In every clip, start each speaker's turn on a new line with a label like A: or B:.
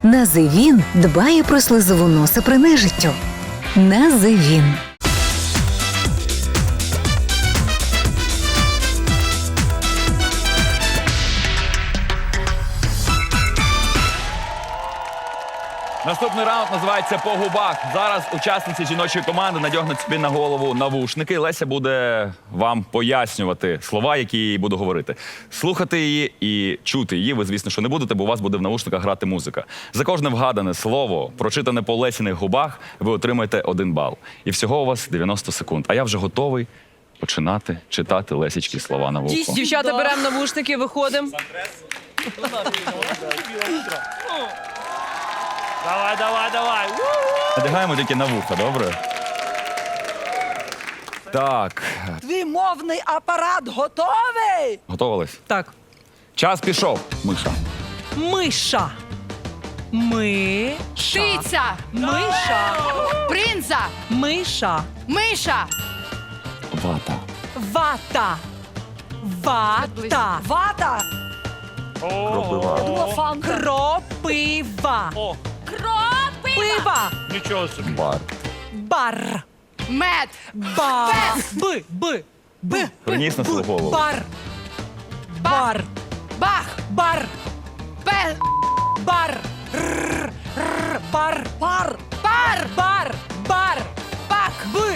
A: Називін дбає про слизову носа при нежиттю. Називін.
B: Наступний раунд називається «По губах». Зараз учасниці жіночої команди надягнуть собі на голову навушники. Леся буде вам пояснювати слова, які їй буду говорити. Слухати її і чути її ви, звісно, що не будете, бо у вас буде в навушниках грати музика. За кожне вгадане слово, прочитане по Лесіних губах, ви отримаєте 1 бал. І всього у вас 90 секунд. А я вже готовий починати читати Лесічки слова на вухо.
C: Дівчата, беремо навушники, виходимо.
D: Давай.
B: Надягаємо тільки на вухо, добре? Так,
E: Твій мовний апарат готовий?
B: готовились?
C: Так.
B: Час пішов, Миша.
C: Миша.
F: Птиця,
C: Миша.
F: принца,
C: Миша.
F: миша,
B: Вата.
C: Вата. Вата.
E: Вата.
B: Кропива.
E: Лофан.
C: Кропива.
F: кропива,
C: Пива.
D: Нічого собі.
B: Бар.
C: Бар.
F: мед,
C: Ба. Б.
B: Приніс на свою голову.
C: Бар. Бар.
F: бах,
C: Бар.
F: пе,
C: Бар. Бар.
E: Пар.
F: пар,
C: Бар. Бар.
F: бак,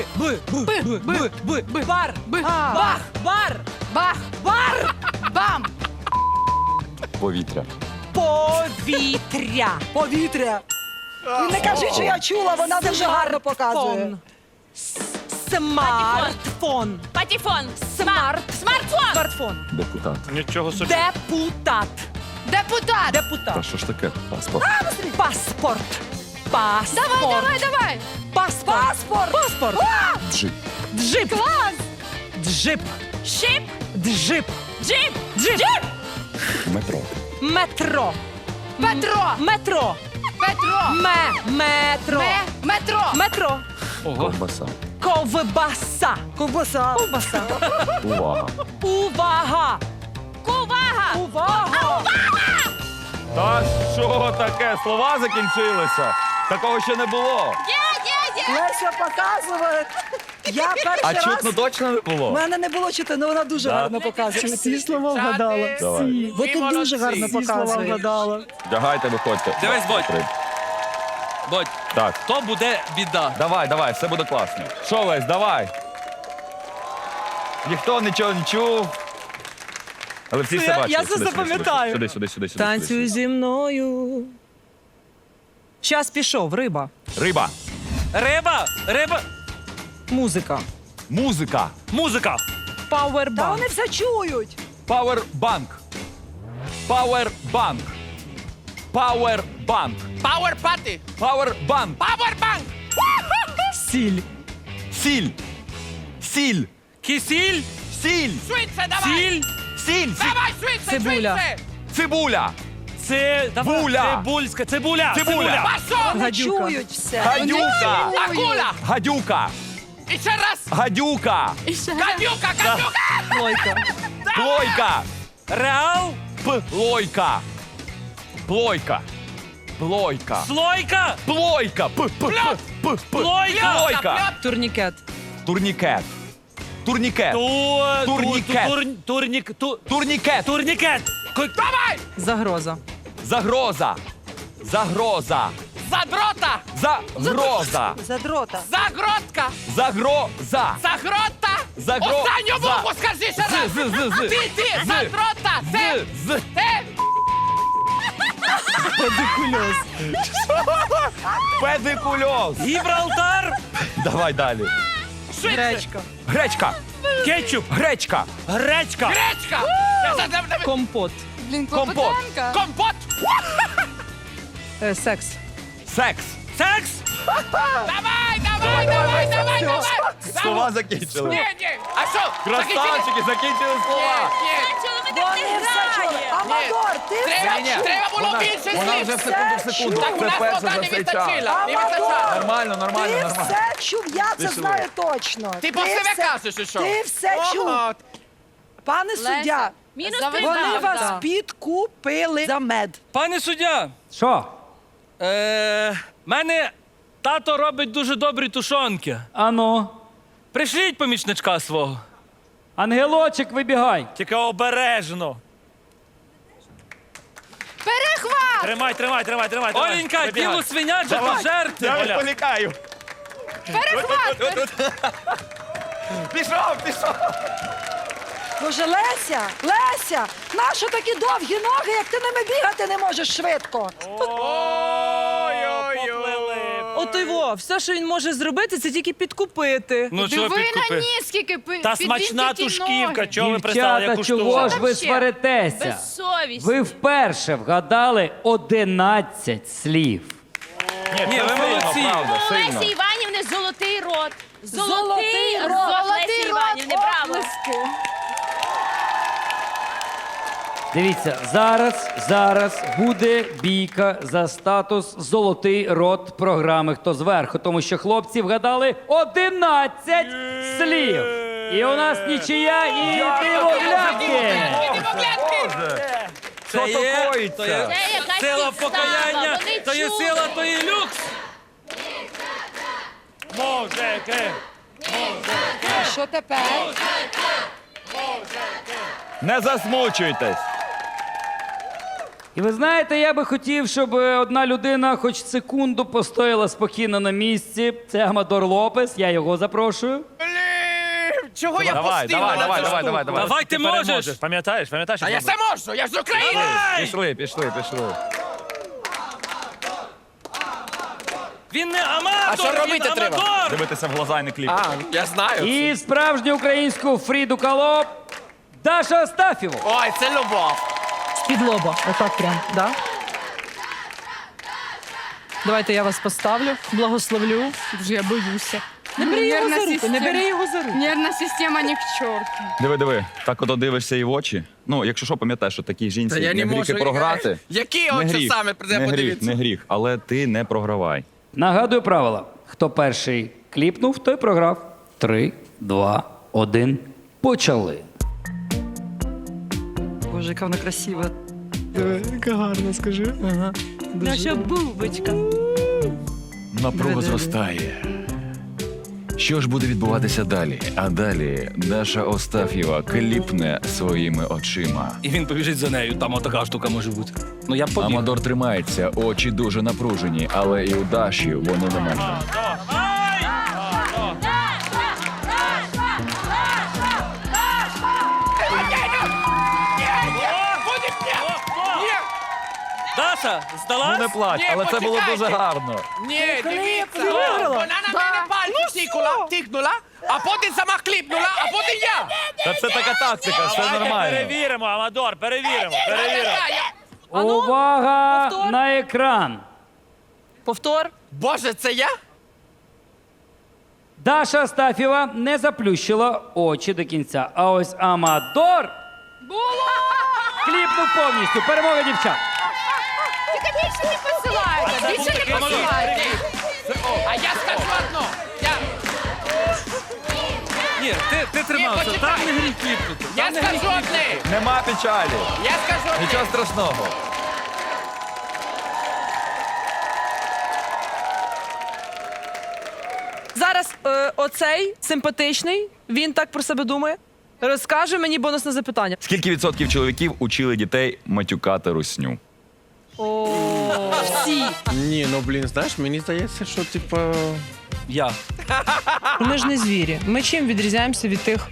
C: Бар. Бах. Бар.
F: бах,
C: Бар.
F: бам,
B: Повітря.
C: Повітря.
E: Повітря. І не кажи, що я чула, вона дуже гарно показує.
C: Смартфон.
F: патефон,
C: Смартфон.
F: смартфон,
B: Депутат.
D: Нічого собі.
C: Депутат.
F: депутат.
B: Та
C: Депутат.
B: що ж таке? Паспорт.
C: Паспорт. Паспорт.
F: Давай.
C: Паспорт.
E: Паспорт.
C: Паспорт.
B: Джип.
C: Джип.
F: Клас.
C: Джип.
F: Шип,
C: Джип.
F: джип,
C: Джип.
B: Метро.
C: Метро.
F: Петро,
C: Метро.
F: Петро,
C: Метро.
F: метро,
C: Метро.
B: Ковбаса.
C: Ковбаса.
E: Ковбаса.
C: Ковбаса.
B: Увага.
C: Увага.
F: кувага,
C: Увага.
B: Та що таке? Слова закінчилися? Такого ще не було.
F: є.
E: Леся показує. Я перший
B: А
E: раз.
B: чутно точно не
E: У
B: було?
E: мене не було чути, але вона дуже гарно показує. Всі слова вгадала.
B: Давай.
E: Бо ти дуже гарно показуєш.
B: Вдягайте, виходьте.
G: Дивись, Бодь. Бодь,
B: Так,
G: то буде біда.
B: давай, все буде класно. Що, Лесь, давай. Ніхто нічого не чув. Але всі все бачили.
C: я це
B: Сюди,
C: запам'ятаю.
B: Сюди.
C: Танцюй зі мною. Час пішов. Риба.
B: Риба.
D: Риба.
C: Музика.
B: Музика.
D: Музика.
E: Та
C: Пауербанк.
E: вони все чують.
B: Пауербанк. Пауербанк. Пауербанк.
G: Power Party.
B: Пауербанк.
G: Powerbank.
C: Сіль.
B: Сіль. Сіль.
D: Кисіль.
B: Сіль.
G: Швидше, давай.
D: Сіль.
B: Сіль.
G: Давай, швидше,
C: Цибуля.
G: швидше.
B: Цибуля.
D: Цибуля. Цибульська. Цибуля.
B: Цибуля.
G: Пашо.
E: Вони
C: Гадюка.
E: чують все.
B: Гадюка.
G: Акула.
B: Гадюка.
G: І ще раз.
B: Гадюка.
G: Гадюка.
C: Плойка.
B: Плойка.
D: Реал.
B: Плойка. Плойка. Плойка.
D: Слойка.
B: Плойка.
D: Плойка.
B: Плойка.
C: Турнікет.
B: Турнікет. Турнікет. Турнікет.
D: Турнікет.
G: Давай.
C: Загроза.
B: Загроза. Загроза.
G: Задрота.
B: Загроза.
E: Задрота.
G: Загротка.
B: Загроза.
G: Загрота.
B: Загро-
G: Останню
B: за.
G: букву скажи ще раз.
B: З.
G: Ти.
B: З.
G: Задрота. Ти.
B: З.
G: Ти.
B: Педикульоз.
D: Гібралтар.
B: Давай далі.
C: Гречка.
B: Гречка.
D: Кетчуп.
B: Гречка.
D: Гречка.
G: Гречка.
C: Компот.
F: Блін,
B: Компот.
F: Клопотенка.
G: Компот.
C: Секс.
B: Секс.
D: Секс.
G: Давай.
B: Слова закінчили.
G: Ні. А що?
B: Красавчики, закінчили слова.
E: Вони все чули. Амадор, ти все чув.
G: Треба було більше
B: Вона вже
G: слів.
B: в секунду.
G: Так, у
B: Це
G: нас
B: перше
G: вода
B: за
G: не
B: цей час.
G: вистачила. Не
E: Амадор.
G: вистачало.
B: Нормально.
E: Ти все чув, я це
B: Пішли.
E: знаю точно.
G: Ти по себе
E: все-
G: кажеш, і що?
E: Ти все чув. Пане суддя,
F: Мінус
C: Заведи.
E: вони
C: Да.
E: вас підкупили за мед.
D: Пане суддя.
H: Що?
D: Мене тато робить дуже добрі тушонки.
H: Ану,
D: Пришліть помічничка свого.
H: ангелочек, вибігай.
D: Тільки обережно.
F: Перехват.
D: Тримай. Оленька,
B: Вибігай.
D: діло свиняче
B: Давай.
D: пожерти.
B: Я
D: Оля.
B: відволікаю.
F: Перехват.
B: Пішов.
E: Боже, Леся, нащо такі довгі ноги, як ти ними бігати не можеш швидко?
D: Поплили.
C: От його, все, що він може зробити, це тільки підкупити.
D: Ну чого
F: Диви на
D: підкупи?
F: ніс, скільки
D: Та смачна тушківка, чого ви пристали,
H: Дівчата,
D: яку
H: чого ж
D: штуку?
H: ви
F: Ще.
H: сваритеся?
F: Безсовість.
H: Ви вперше вгадали 11 слів.
D: Ні, ви молодці.
B: правда,
F: У
B: сильно.
F: Лесі Іванівни золотий рот.
E: Золотий рот.
F: Лесі Іванівни, браво.
H: Дивіться, зараз буде бійка за статус «Золотий рот» програми «Хто зверху», тому що хлопці вгадали 11 слів. І у нас нічия і дивоглядки.
B: Що
D: Це
B: то
D: є
B: коїться?
F: Це якась
D: сила
F: підстава,
D: покаяння,
F: вони
D: то є
F: чули.
D: сила, то є люкс. Мужики.
E: Що тепер?
B: Не засмучуйтесь.
H: І ви знаєте, я би хотів, щоб одна людина хоч секунду постояла спокійно на місці. Це Амадор Лопес, я його запрошую.
G: Чого я
B: Давай.
D: Давай, ти можеш. Пам'ятаєш?
G: А я все можу, я ж з України.
B: Пішли.
D: Він не аматор,
G: А що робити
D: він
G: треба?
D: аматор.
B: Дивитися в глаза і не кліпати.
G: А, я знаю.
H: І справжню українську Фріду Кало Даша Астафєву.
G: Ой, це любов.
C: З-під лоба. Отак прям, да? Давайте я вас поставлю, благословлю.
F: Вже я боюся.
C: Не бери його за руку, не бери його за руку.
F: Нервна система ні к чорту.
B: Диви. Так ото дивишся і в очі. Ну, якщо що, пам'ятаєш, що такій жінці
G: Та я
B: не
G: не
B: гріх і
G: можу.
B: програти.
G: Які
B: Не
G: очі
B: гріх,
G: саме прийде
B: не гріх,
G: подивитися?
B: не гріх. Але ти не програвай.
H: Нагадую правила. Хто перший кліпнув, той програв. 3, 2, 1. Почали.
C: Боже, яка вона красива. Яка гарна, скажи. Ага. Наша бубочка.
B: Напруга зростає. Що ж буде відбуватися далі? А далі Даша Остаф'єва кліпне своїми очима.
D: І він побіжить за нею, там отака штука може бути. Ну я побіг.
B: Амадор тримається, очі дуже напружені, але і у Даші вони не менше.
D: Даша, здалась?
B: Ну не плач,
G: Ні,
B: але це було
G: почекайте.
B: дуже гарно.
G: Ні, дивіться.
C: виграла?
G: Вона на мене пальці тикнула, а потім сама кліпнула, а потім я.
B: Та це така тактика, все
D: Давайте
B: нормально.
D: перевіримо, Амадор, перевіримо.
H: Увага
C: повтор.
H: на екран.
C: Повтор.
G: Боже, це я?
H: Даша Астафєва не заплющила очі до кінця. А ось Амадор кліпнув повністю. Перемога дівчат.
F: Тільки більше не посилайте, більше не посилайте.
G: А я скажу одно. Я
D: Ні, ти тримався,
G: почекай.
D: там не гріх кліпнути. Там не гріх
G: скажу одне.
B: Нема печалі.
G: Я скажу одне.
B: Нічого страшного.
C: Зараз оцей симпатичний, він так про себе думає. Розкаже мені бонусне запитання.
B: Скільки відсотків чоловіків учили дітей матюкати русню?
C: Всі.
G: Ні, ну блін, знаєш, мені здається, що типу.
D: Я.
C: Ми ж не звірі. Ми чим відрізняємося від тих.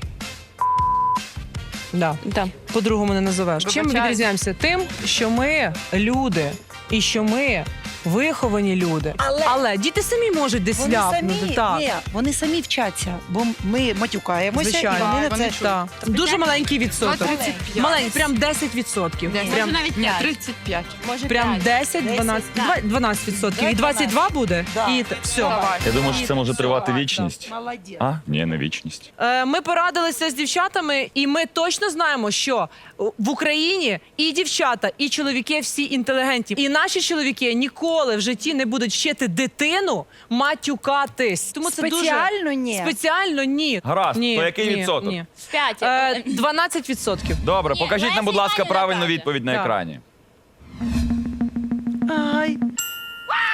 C: Да. По-другому не називаєш. Чим ми відрізняємося? Тим, що ми люди і що ми виховані люди. Але діти самі можуть десь
E: Вони
C: ляпнути.
E: самі,
C: Так.
E: ні, вони самі вчаться, бо ми матюкаємося,
C: Звичайно.
E: і вони на це.
C: Так. Дуже маленький відсоток.
F: 35.
C: Маленький, прям 10%. Прям,
F: навіть ні, 35. Може,
C: прям 10, 12, 12%. І 22 буде?
E: Да.
C: І все.
B: Я думаю, що це може тривати вічність.
E: Молодець.
B: А? Ні, не вічність.
C: Ми порадилися з дівчатами, і ми точно знаємо, що в Україні і дівчата, і чоловіки всі інтелігентні. І наші чоловіки ніколи в житті не будуть вчити дитину матюкатись. Тому це
E: Спеціально
C: дуже...
E: ні.
C: Спеціально ні.
B: Гаразд,
C: Ні,
B: то який
C: ні,
B: відсоток?
C: ні.
F: 5.
C: 12%.
B: Добре,
F: Ні,
B: покажіть нам,
F: Леся
B: будь ласка,
F: Іванівна
B: правильну
F: каже.
B: відповідь на
C: Так.
B: екрані.
E: Ай.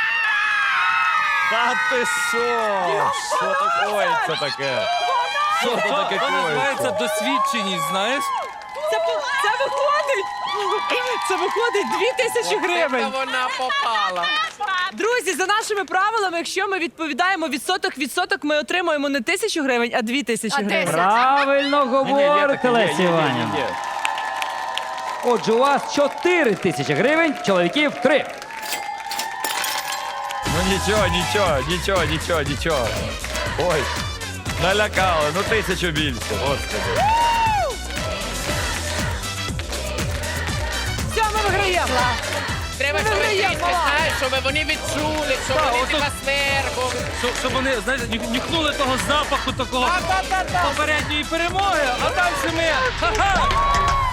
B: Та ти що? Що таке? Це таке? Що це таке?
D: То називається досвідченість, знаєш?
C: Це виходить 2000 гривень.
G: Це вона попала.
C: Друзі, за нашими правилами, якщо ми відповідаємо відсоток, ми отримуємо не 1000 гривень, а 2000 гривень.
H: Правильно говорите, Леся
B: Ні.
H: Іванівна. Отже, у вас 4 тисячі гривень, чоловіків 3.
B: Ну нічого. Ой, налякали, ну 1000 більше, господи.
C: Все, ми виграємо.
G: Треба, щоб знаєш, щоб вони відчули, щоб
D: Так,
G: вони
D: отут-
G: тебе свергу.
D: Щоб вони, знаєш, нюхнули того запаху такого попередньої перемоги, а далі ми. Ха-ха!